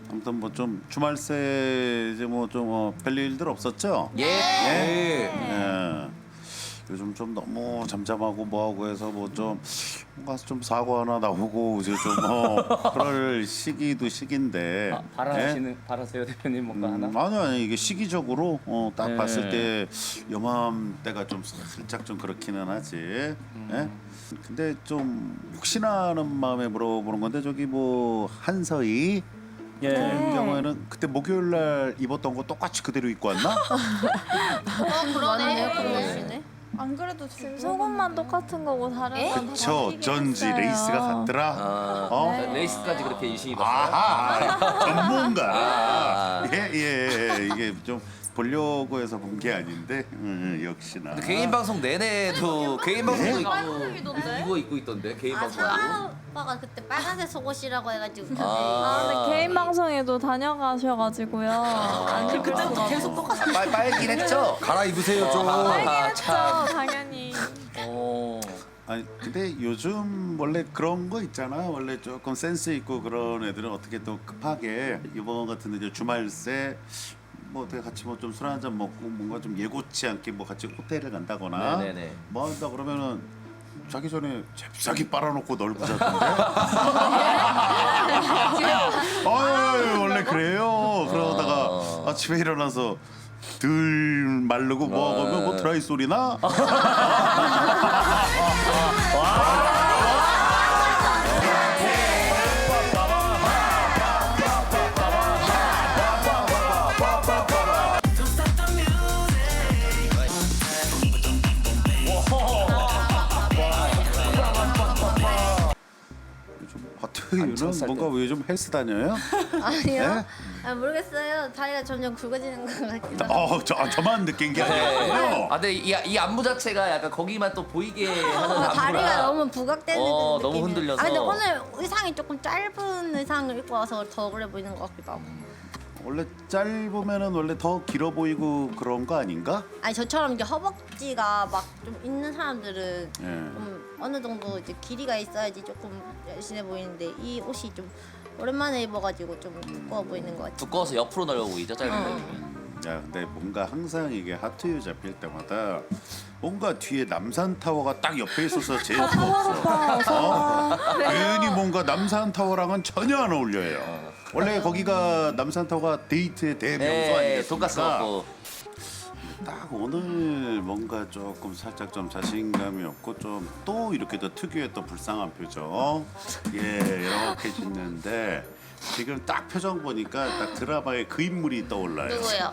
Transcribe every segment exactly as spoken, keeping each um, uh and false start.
아무튼 뭐 좀 주말 새 이제 뭐 좀 어, 별일들 없었죠? 예. 예. 예. 요즘 좀 너무 잠잠하고 뭐하고 해서 뭐 좀 뭔가 좀 사고 하나 나오고 이제 좀 어, 그럴 시기도 시기인데. 아, 바라시는 바라세요 대표님 뭔가 음, 하나? 아니 아니 이게 시기적으로 어, 딱 네. 봤을 때 요맘때가 좀 살짝 좀 그렇기는 하지. 음. 예? 근데 좀 혹시나 하는 마음에 물어보는 건데 저기 뭐 한서희 예. 같은 경우에는 그때 목요일 날 입었던 거 똑같이 그대로 입고 왔나? 어 그러네. 그러시네. 안 그래도 지금 속옷만 똑같은 거고 다른 에? 건다 저 어쩐지 레이스가 같더라. 아, 어? 네. 레이스까지 그렇게 유심히 봤어요. 아하 전문가. 아. 예, 예, 이게 좀 보려고 해서 본 게 아닌데 음, 역시나. 근데 개인 방송 내내도 개인 방송도 있고 빨간색이던데? 이거 입고 있던데 개인 아 방송도. 사람 오빠가 그때 빨간색 속옷이라고 해가지고. 아, 근데 개인 방송에도 다녀가셔가지고요. 안 입을 수가 계속 똑같아. 빨 빨긴 했죠. 갈아입으세요 좀. 빨긴 아, 했죠, 참. 당연히. 어. 아니 근데 요즘 원래 그런 거 있잖아. 원래 조금 센스 있고 그런 애들은 어떻게 또 급하게 이번 같은 이제 주말새 뭐 어떻게 같이 뭐 좀 술 한 잔 먹고 뭔가 좀 예고치 않게 뭐 같이 호텔을 간다거나 네네네. 뭐 한다 그러면은 자기 전에 잽싸게 빨아놓고 널고 자던데. 아유 원래 그래요. 그러다가 아침에 일어나서 들 마르고 뭐 하면 뭐 드라이 소리나? 하트유는 뭔가 왜 요즘 헬스 다녀요? 아니요. 아, 모르겠어요. 다리가 점점 굵어지는 것 같기도 하고. 어, 저, 아, 저만 느낀 게 네. 아니고요. 아 근데 이, 이 안무 자체가 약간 거기만 또 보이게 하는 어, 안무라. 다리가 너무 부각되는 어, 그 너무 느낌이에요. 흔들려서. 아 근데 오늘 의상이 조금 짧은 의상을 입고 와서 더 그래 보이는 것 같기도 하고. 원래 짧으면은 원래 더 길어 보이고 그런 거 아닌가? 아니 저처럼 이제 허벅지가 막 좀 있는 사람들은 예. 좀 어느 정도 이제 길이가 있어야지 조금 열심해 보이는데 이 옷이 좀 오랜만에 입어가지고 좀 두꺼워 보이는 것 같아요. 두꺼워서 옆으로 넓어 보이죠 짧은 거. 야, 근데 뭔가 항상 이게 하트유 잡힐 때마다 뭔가 뒤에 남산 타워가 딱 옆에 있어서 제일 부럽어. 어? 괜히 뭔가 남산 타워랑은 전혀 안 어울려요. 원래 거기가 남산 타워가 데이트의 대명소 네, 아니겠습니까? 돈가스 먹고. 딱 오늘 뭔가 조금 살짝 좀 자신감이 없고 좀 또 이렇게 또 특유의 또 불쌍한 표정 예 이렇게 짓는데 지금 딱 표정 보니까 딱 드라마의 그 인물이 떠올라요. 누구요?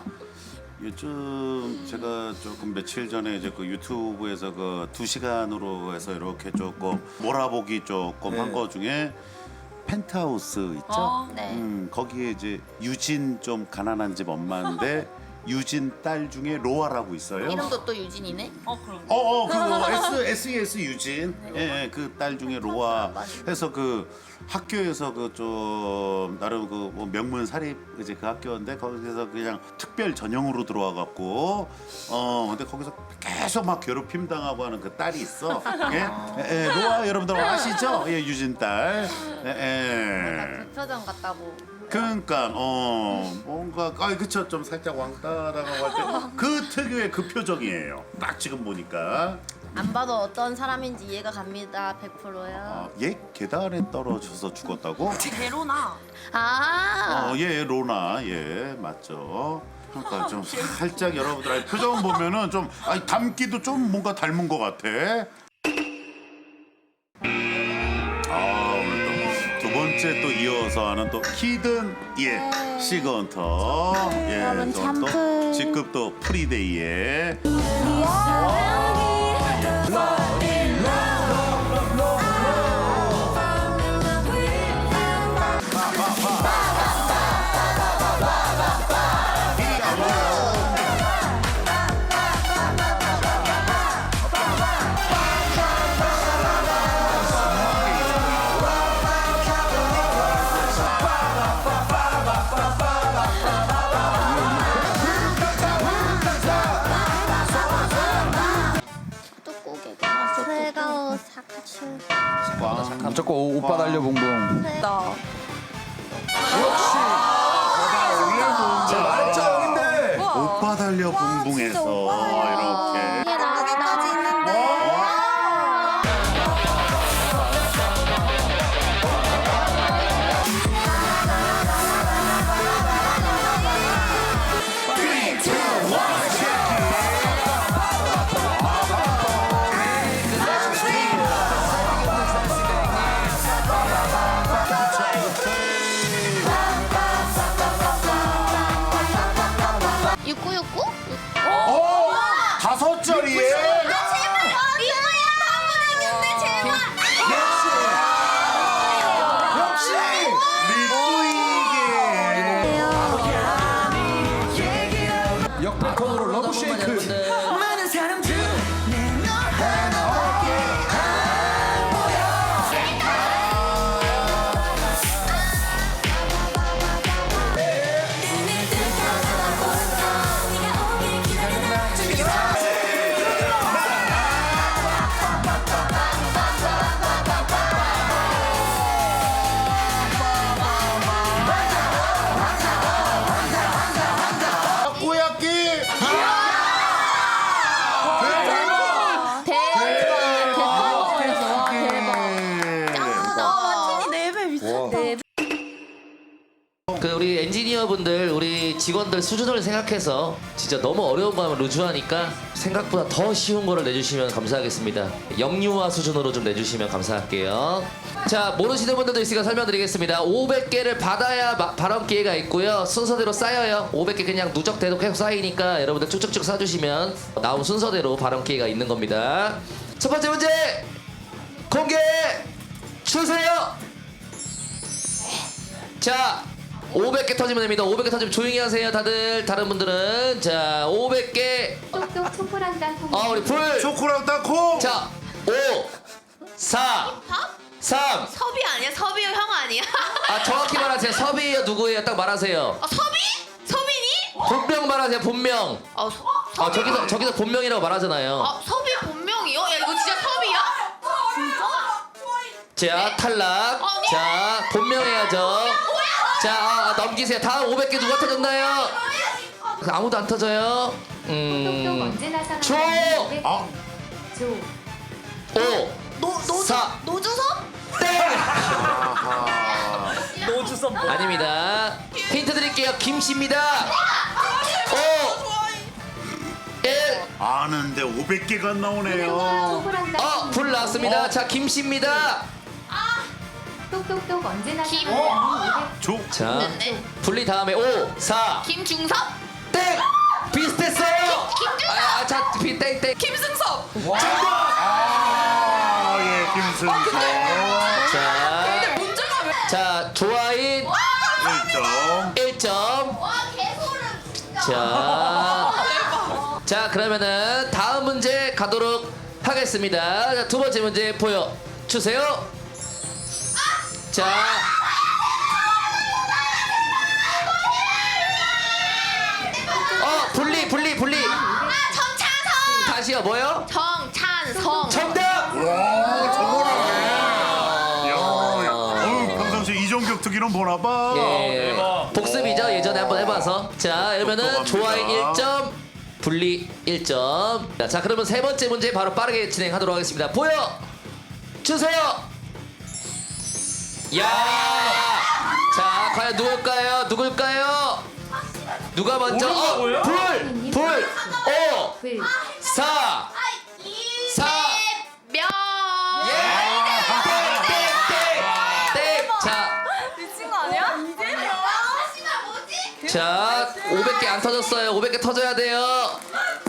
요즘 제가 조금 며칠 전에 이제 그 유튜브에서 그 두 시간으로 해서 이렇게 조금 몰아보기 조금 네. 한 거 중에 펜트하우스 있죠? 아, 네. 음, 거기에 이제 유진 좀 가난한 집 엄마인데 유진 딸 중에 로아라고 있어요. 이름도 또 유진이네. 어 그럼. 어어 그 S 에스이에스 유진 예 그 딸 중에 로아 해서 그 학교에서 그 좀 나름 그 뭐 명문 사립 이제 그 학교인데 거기서 그냥 특별 전형으로 들어와 갖고 어 근데 거기서 계속 막 괴롭힘 당하고 하는 그 딸이 있어. 예, 예, 예 로아 여러분들 아시죠? 예 유진 딸. 예. 예. 그 표정 같다고. 그러니까 어 뭔가 아 그쵸 좀 살짝 왕따 당하고 할 때 그 특유의 그 표정이에요. 딱 지금 보니까 안 봐도 어떤 사람인지 이해가 갑니다. 백 퍼센트요. 아, 얘 계단에 떨어져서 죽었다고? 베로나. 아. 어, 예 로나 예 맞죠. 그러니까 좀 살짝 여러분들 표정 보면은 좀 아니 닮기도 좀 뭔가 닮은 것 같아. 아 오늘 또 두 번째 또 이어서 하는 또 히든 예 시건터 예 그러면 또 잠풀. 직급도 프리데이에 뚜꾸게. 새가오 사카츄. 무조건 오- 오빠 달려 붕붕. 나. 역시. 오빠 달려 붕붕해서 이렇게. 이게 나까지 있는데. 육구육구? 어? 다섯 자리에? 이거야 한번 이겼네 제발. 역시 리뿌이게. 역대급으로 러브 쉐이크. 많은 사람들 타코야끼. 그 우리 엔지니어분들 우리 직원들 수준을 생각해서 진짜 너무 어려운 거 하면 루즈하니까 생각보다 더 쉬운 거를 내주시면 감사하겠습니다. 영유아 수준으로 좀 내주시면 감사할게요. 자, 모르시는 분들도 있으니까 설명드리겠습니다. 오백 개를 받아야 마- 발언 기회가 있고요. 순서대로 쌓여요. 오백 개 그냥 누적돼도 계속 쌓이니까 여러분들 쭉쭉쭉 쌓아주시면 나온 순서대로 발언 기회가 있는 겁니다. 첫 번째 문제 공개 주세요. 자, 오백 개 터지면 됩니다. 오백 개 터지면 조용히 하세요, 다들. 다른 분들은. 자, 오백 개. 똑똑 초코랑 땅콩. 어, 우리 불. 초코랑 땅콩. 자, 오, 사, 삼. 섭이 아니야? 섭이 형 아니야? 아, 정확히 말하세요. 섭이에요, 누구예요? 딱 말하세요. 아, 섭이? 섭이니? 본명 말하세요, 본명. 아, 서, 아, 저기서 저기서 본명이라고 말하잖아요. 아, 섭이 본명이요? 야, 이거 진짜 섭이야? 자, 탈락. 아니. 자, 본명 해야죠. 자, 아, 넘기세요. 다음 오백 개 누가 터졌나요? 아무도 안 터져요. 똑똑 음. 언제나 사랑. 조. 아, 조. 오, 노, 노주, 사. 노주섭? 땡. 노주섭 뭐. 아닙니다. 힌트 드릴게요. 김씨입니다. 오, 일. 아는데 오백 개가 나오네요. 초코랑 땅콩. 어, 불 나왔습니다. 자, 김씨입니다. 똑똑똑 언제나 김. 사랑. 조. 자, 분리 다음에 오, 사, 김중섭? 땡. 비슷했어요. 김준섭! 아, 아, 자, 비, 땡, 땡. 김승섭! 아, 예, 김승. 자, 문제가 왜? 자, 조아인 일 점. 일 점. 와 개소름. 자, 자, 그러면은 다음 문제 가도록 하겠습니다. 자, 두 번째 문제 보여 주세요. 자, 어, 분리, 분리, 분리. 아, 정찬성! 다시요, 뭐요? 정찬성! 정답. 와, 저거를. 야, 어우, 평상시 이종격 특기는 보나 봐. 예, 복습이죠. 예전에 한번 해봐서. 자, 그러면은 똑똑합니다. 조아인 일 점, 분리 일 점. 자, 자, 그러면 세 번째 문제 바로 빠르게 진행하도록 하겠습니다. 보여 주세요. 야, 자, 과연 누굴까요? 누굴까요? 누가 먼저? 어, 불, 불, 오, 불. 사, 사. 명! 예! 땡! 땡! 자, 미친 거 아니야? 자, 오백 개 안 터졌어요. 오백 개 터져야 돼요.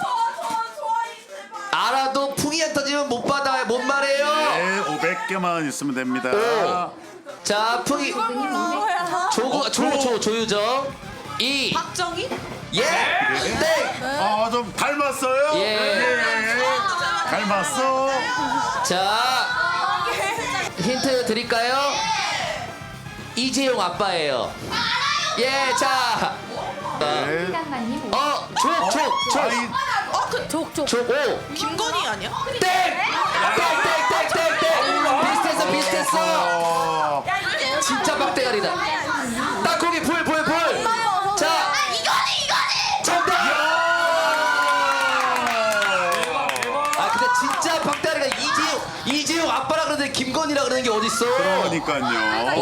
알아도 풍이 안 터지면 못 받아요. 못 말해요. 네, 오백 개만 있으면 됩니다. 오. 자, 풍이 조구 조, 조, 조유정. 이. 박정희? 예. 땡. 아, 좀 닮았어요? 예. 닮았어. 자, 힌트 드릴까요? 이재용 아빠예요. 예, 자. 네. 시간만님. 어, 족, 족, 족. 아이, 어, 그, 족, 족. 족, 오. 김건희 아니야? 땡! 땡, 땡, 땡, 땡, 땡. 비슷했어, 비슷했어. 어, 진짜 빡대가리다. 땅콩이 불, 불, 불. 자, 이거니, 이거니! 정답! 번이라 그러는 게 어딨어? 그러니까요.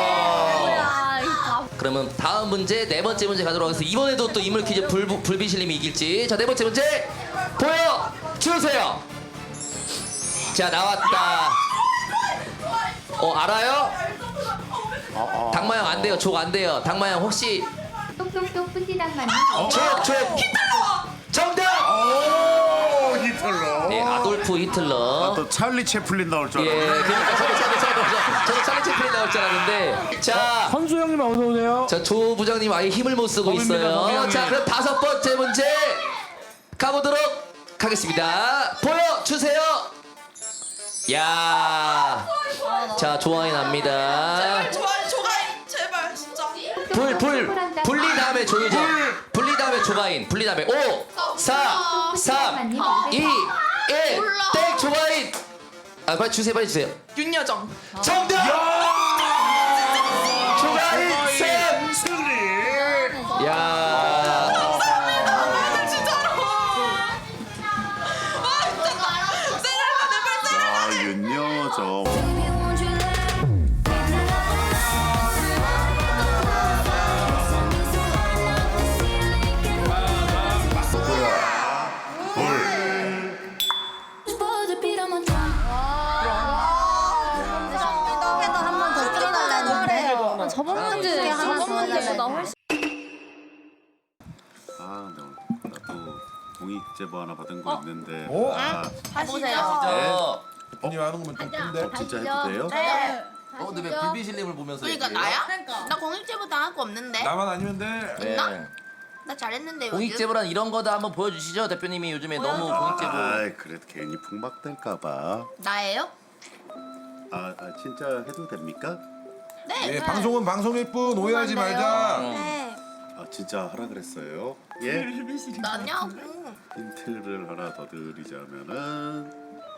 와. 그러면 다음 문제 네 번째 문제 가도록 하겠습니다. 이번에도 또 인물 퀴즈 불, 불비실님이 이길지. 자, 네 번째 문제 보여 주세요. 자, 나왔다. 어, 알아요? 당마형 안 돼요. 족 안 돼요. 당마형 혹시 똑똑똑 뿌띠당마님. 족, 족. 정답! 오, 히틀러. 네, 아돌프 히틀러. 아, 또 찰리 채플린 나올 줄 예, 알았네. 그러니까 저도 저도 저도 저도 찰리 채플린 나올 줄 알았는데. 자, 선수 형님 어서 오세요. 자, 조 부장님 아예 힘을 못 쓰고 범입니다, 있어요. 범이 자, 형님. 그럼 다섯 번째 문제 가보도록 하겠습니다. 보여주세요. 야, 자, 조화이 납니다. 좋아요 조가인 제발 진짜. 불, 불, 분리 다음에 조유정. 분리 다음에 조가인. 분리 다음에 오, 사, 삼, 이, 일, 땡, 조가인. 아, 빨리 주세요, 빨리 주세요. 윤여정. 정답! 조가인 쌤! 승리. 야. 아, 윤여정. 한번 더 찍어달라는데. 저번 문제 저번 문제보다 훨씬 아, 네, 나도 공익 제보 하나 받은 거 있는데. 어? 아, 해보세요. 어, 형님 하는 거면 좀 큰데. 진짜 해도 돼요? 네. 어, 근데 왜 불비실님을 보면서 그러니까 얘기해요? 나야? 나 공익제보 당할 거 없는데. 나만 아니면 돼. 네. 나 잘했는데 요즘. 공익제보란 이런 거다 한번 보여주시죠. 대표님이 요즘에 너무 공익제보. 아, 그래도 괜히 풍박될까봐. 나예요? 아, 아, 진짜 해도 됩니까? 네. 예, 방송은 방송일 뿐 오해하지 말자. 네. 아, 진짜 하라 그랬어요. 예? 나냐고. 힌트를 하나 더 드리자면은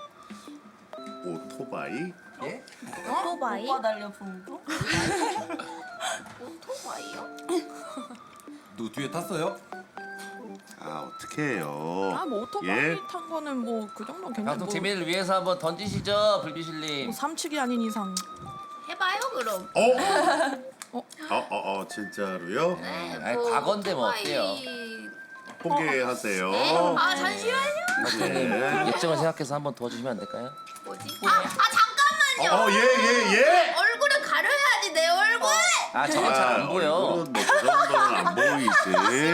오토바이. 예? 오토바이? 오토바이요? 누 뒤에 탔어요? 아, 어떻게 해요? 아, 뭐 오토바이 예? 탄 거는 뭐 그 정도는 괜찮고 방송 재미를 위해서 한번 던지시죠, 불비실님. 뭐 삼축이 아닌 이상 해봐요 그럼. 어? 어, 어, 어, 진짜로요? 네, 아니, 과거인데 뭐 어때요? 포기하세요. 아 잠시만요. 네. 공익제보 생각해서 한번 도와주시면 안 될까요? 뭐지? 아, 아 잠깐만요. 어, 예, 예, 예. 얼굴을 가려야지 내 얼굴. 아, 저건 잘 안 보여. 얼굴은 뭐그 정도는 안 보이지.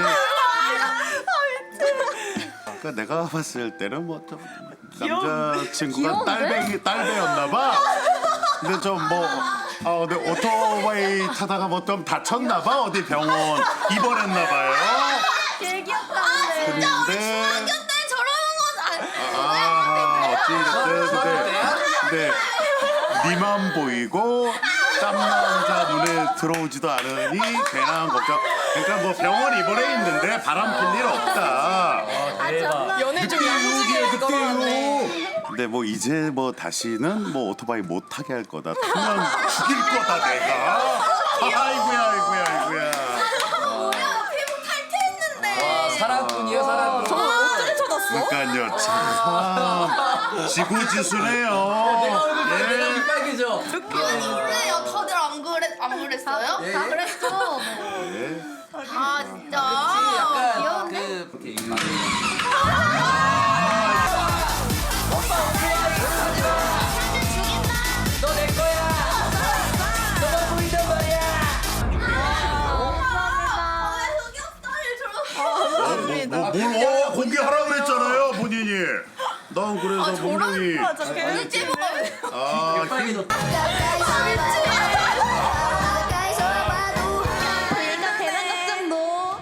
그러니까 내가 봤을 때는 뭐 좀 남자친구가 딸배기 딸배였나 봐. 근데 좀 뭐 아, 근데 오토바이 타다가 뭐 좀 다쳤나 봐. 어디 병원 입원했나 봐요. 되게 귀엽다는데. 근데 근데 저러는 건 아. 아, 어찌됐든 근데 근데 니만 보이고 땀남자 눈에 들어오지도 않으니 괜한 걱정. 그러니까 뭐 병원 입원해 있는데 바람 필 일 없다. 연애 중 야무지게 그때요. 근데 뭐 이제 뭐 다시는 뭐 오토바이 못 타게 할 거다. 타면 죽일 거다 내가. 아이고야 아이고야 아이고야. 피부 탈퇴했는데. 와, 사랑꾼이에요, 사랑꾼. 저거 어떻게 찾았어? 그러니까요 참 지구지수네요. 예. 빨개져. 그래요. 다들 안 그랬 안 그랬어요? 다 그랬죠. 예. 아 진짜. 약간 그 너 내 거야. 너만 보인단 말이야. 어, 뭐, 뭐, 뭘, 어, 공개하라 그랬잖아요, 본인이. 난 그래서 분명히. 아, 일단 대면 걱정도.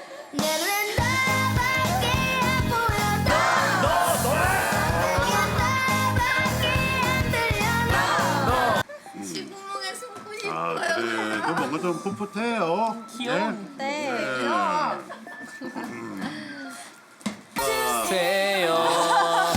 지구멍에 숨고 싶어요. 아, 그래도 뭔가 좀 풋풋해요. 귀여워. 네. 세요.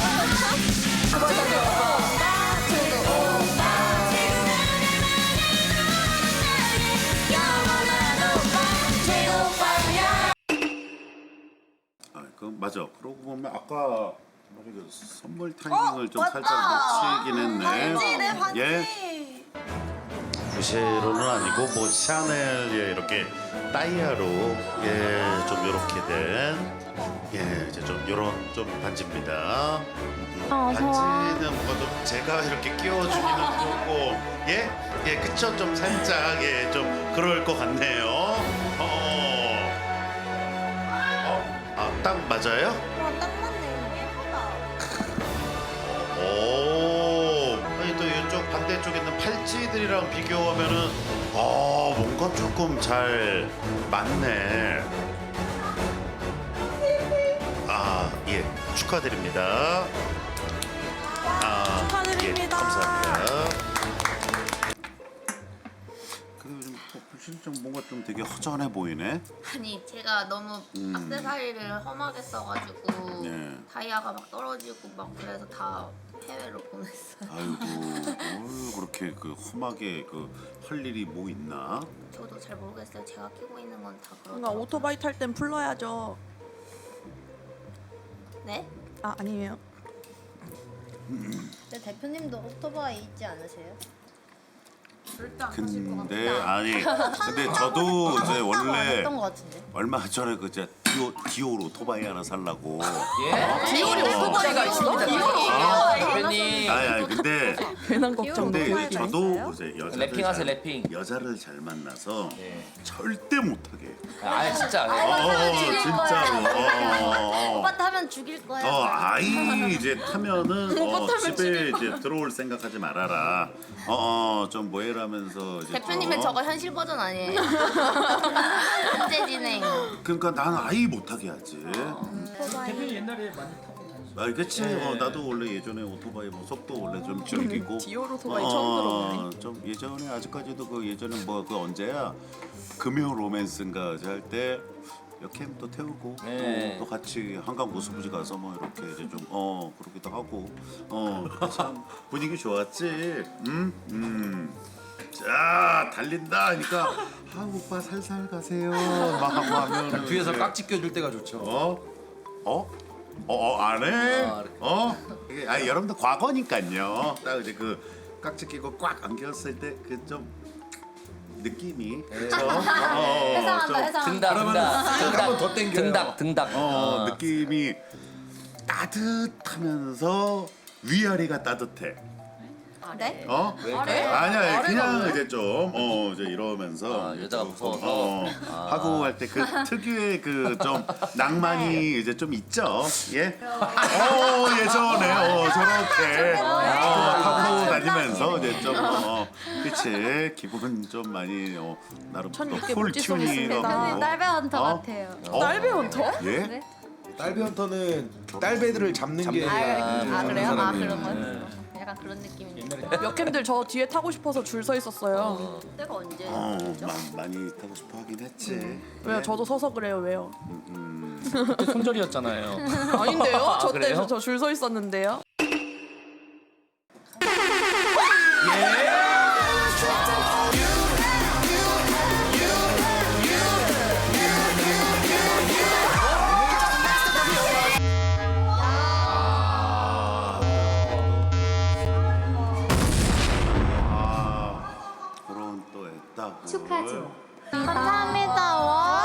아, 그 맞아. 그러고 보면 아까 이거 선물 타이밍을 좀 살짝 놓치긴 했네. 반지네 반지. 예. 부쉐로는 아니고 뭐 샤넬 예 이렇게 다이아로 예좀 이렇게 된예 이제 좀 이런 좀 반지입니다. 음, 아, 반지는 뭔가 좀 제가 이렇게 끼워주기는 좋고 예예 그쵸 좀 살짝 예 좀 그럴 것 같네요. 어, 어, 아, 딱 맞아요? 와딱 맞네. 예쁘다. 오, 아니 또 이쪽 반대쪽에 있는 팔찌들이랑 비교하면은 아 뭔가 조금 잘 맞네. 아, 예, 축하드립니다. 아, 축하드립니다. 예, 감사합니다. 근데 요즘 불신좀 뭔가 좀 되게 허전해 보이네. 아니 제가 너무 음. 액세서리를 험하게 써가지고 네. 다이아가 막 떨어지고 막 그래서 다 해외로 보냈어요. 아이고, 뭘 그렇게 그 험하게 그 할 일이 뭐 있나? 저도 잘 모르겠어요. 제가 끼고 있는 건 다 뭔가 그렇더라고요. 오토바이 탈 땐 풀러야죠. 네? 아 아니에요. 근데 대표님도 오토바이 있지 않으세요? 근데 아니, 근데 저도 이제 원래 했던 것 같은데. 얼마 전에 그 이제 디오 디올 오토바이 하나 살라고. 예? 디올이 오토바이가 있어? 아, 대표님 아니, 아니 근데 괜한 걱정. 근데 오토바이가 이제 저도 있어요? 이제 여자를 래핑하세요, 잘, 래핑. 여자를 잘 만나서 예. 절대 못하게. 아 진짜 어, 어, 진짜로. 어, 어, 어. 오빠 타면 죽일 거야. 어, 아이 이제 타면은 어, 집에 이제 들어올 생각하지 말아라. 어, 어, 좀 뭐해라면서 이제 대표님은 어. 저거 현실 버전 아니에요? 현재 진행. 그러니까 난 아이 못하게 하지. 대표님 옛날에 많이 타고 다니시죠? 아, 그치. 어, 나도 원래 예전에 오토바이 뭐 속도 원래 좀 즐기고. 디올 오토바이 처음 들어보네. 좀 예전에 아직까지도 그 예전에 뭐 그 언제야 금요 로맨스인가 할 때 여캠 또 태우고 네. 또, 또 같이 한강 고수부지 가서 뭐 이렇게 이제 좀 어 그러기도 하고 어참 분위기 좋았지. 음 음. 자 달린다 하니까 아 오빠 살살 가세요 막 하고 하면 뒤에서 깍지 껴줄 때가 좋죠. 어? 어? 어, 어, 안 해? 아, 어? 이게, 아니, 여러분들 과거니까요. 딱 이제 그 깍지 끼고 꽉 안겼을 때 그 좀 느낌이 그쵸? 어, 해상한다, 좀, 해상한다. 등닭 등닭 한번 더 땡겨요. 등닭 등닭 어, 느낌이 따뜻하면서 위아래가 따뜻해. 네? 어? 왜? 아니야, 그냥 이제 좀, 어, 이제 이러면서. 아, 여자가 조금, 무서워서? 어, 아. 하고 할 때 그 특유의 그 좀 낭만이 이제 좀 있죠. 예? 어, 예전에, 어, 저렇게. 어, 하고 다니면서 이제 좀, 어, 그치. 기분 좀 많이, 어, 나름 천육개 풀 못지 쏘겠습니다. 튜닝하고. 딸배 헌터 어? 같아요. 어? 딸배 헌터? 예? 딸비 헌터는 딸배들을 잡는 게 아, 아 그래요? 아 사람이에요. 그런 거였어. 약간 그런 느낌인데. 역캠들 저 뒤에 타고 싶어서 줄 서 있었어요. 그때가 언제? 어, 마, 많이 타고 싶어 하긴 했지. 왜요? 저도 서서 그래요. 왜요? 음. 그때 손절이었잖아요. 아닌데요? 아, 저 그래요? 때 저 줄 서 있었는데요. 아, 그런 또 애따고. 축하죠. 감사합니다. 와.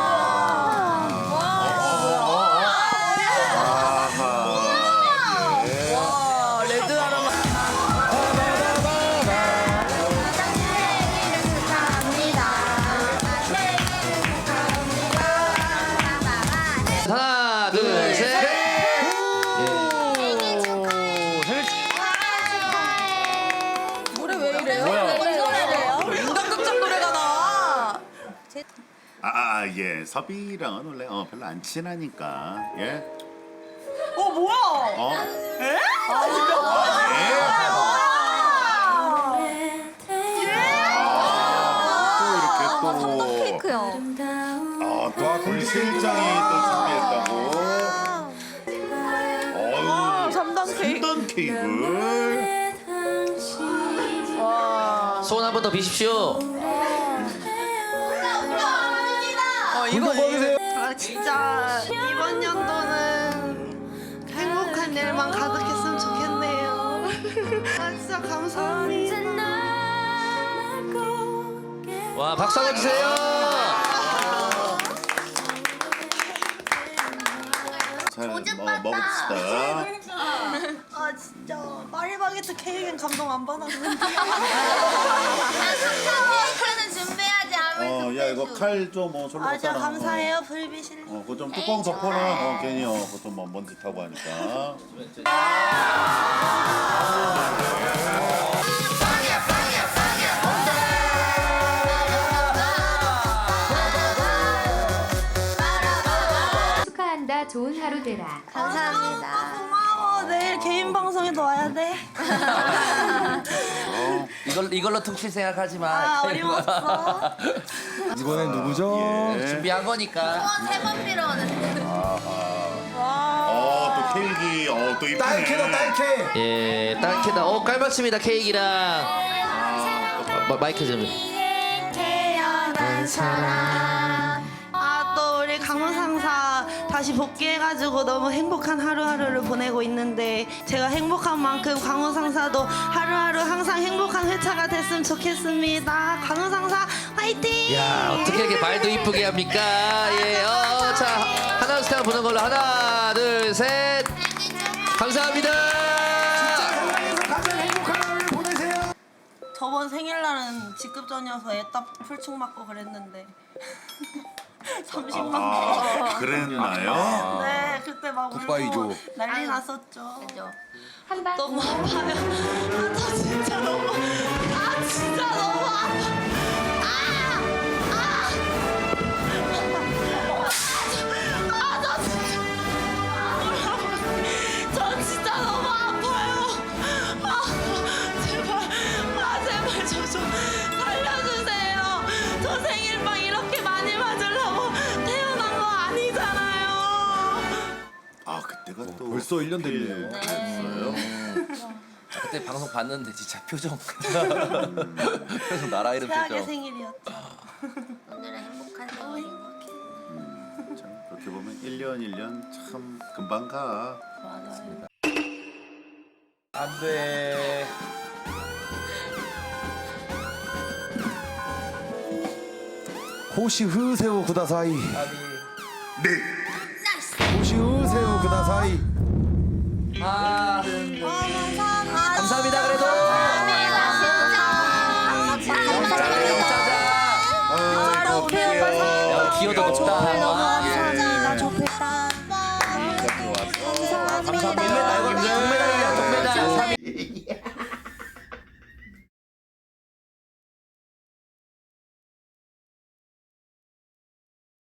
와 레드 아로마. 하나, 둘, 셋. 노래 왜 이래요? 뭐야? 왜 이래요? 인간극장 노래가 나와. 아, 아, 예. 섭이랑은 원래 어, 별로 안 친하니까. 예. 어 뭐야? 어? 에? 아, 예. 또 이렇게 또 케이크요. 아, 또 우리 실장이 또 준비했다고. 아 어유. 삼 단 케이크. 삼단 케이크를. 와. 소원 한 번 더 비십시오. 어 이거 이거. 아 진짜 이번 연도는 행복한 일만 가득했으면 좋겠네요. 아 진짜 감사합니다. 와 박수 한번 주세요. 잘 뭐, 먹읍시다. 아 진짜 파리바게트 케이크는 감동 안 받았는데. 케이크는 준비하지 않으면 어, 야 이거 칼 좀 뭐 절로 아 갖다 진짜 놔. 감사해요 불비실. 어, 그거 좀 뚜껑 덮어놔. 어, 괜히 어, 그것도 뭐 먼지 타고 하니까. 축하한다. 좋은 하루 되라. 감사합니다. 고마워. 내일 개인 방송에도 와야 돼. 이걸 이걸로 퉁칠 생각하지 마. 아 어려웠어. 이번엔 누구죠? 예. 준비한 거니까. 세번 필요하는데. 어, 또 케이크. 어, 또 이쁘네. 딸캐다 딸캐. 예 딸캐다. 어 깔맞습니다 케이크랑. 마, 마이크 좀. 태어난 사람. 아또 우리 강원 상사 다시 복귀해가지고 너무 행복한 하루하루를 보내고 있는데 제가 행복한 만큼 강원 상사도 하루하루 항상 행복한 회차가 됐으면 좋겠습니다. 강원 상사 화이팅! 야 어떻게 이렇게 말도 이쁘게 합니까? 예. 어, 자 하나 둘셋 보는 걸로 하나 둘 셋. 감사합니다. 가장 행복한 하루를 보내세요. 저번 생일날은 직급전이어서 애답 풀충 맞고 그랬는데 삼십만 원. 아, 그랬나요? 네 그때 막 굿바이죠. 울고 난리 났었죠. 그죠? 한방 너무 아파요. 아, 저 진짜 너무, 아, 진짜 너무 아파. 아! 아! 아, 저 진짜. 저 진짜 너무 아파요. 아, 제발, 아, 제발 저 좀 살려주세요. 저 생일빵 이렇게 많이 맞으려고 태어난 거 아니잖아요. 아, 그때가 또 벌써 일 년 됐네요. 됐어요. 아, 그때 방송 봤는데 진짜 표정. 표정 나라 이름 최악의 표정. 생일이었죠. 오늘은 행복한 생활인 것 같아요. 참 그렇게 보면 일 년 일 년 참 금방 가. 맞아요. 안 돼. 호시 흐세우 구다사이. 네. 호시 흐세우 구다사이. 아, 감사합니다. 감사합니다 그래도. 영짜자 영짜자. 아, 어떡해요. 야 기어도 높다. 감사합니다. 좋겠다. 감사합니다. 감사합니다.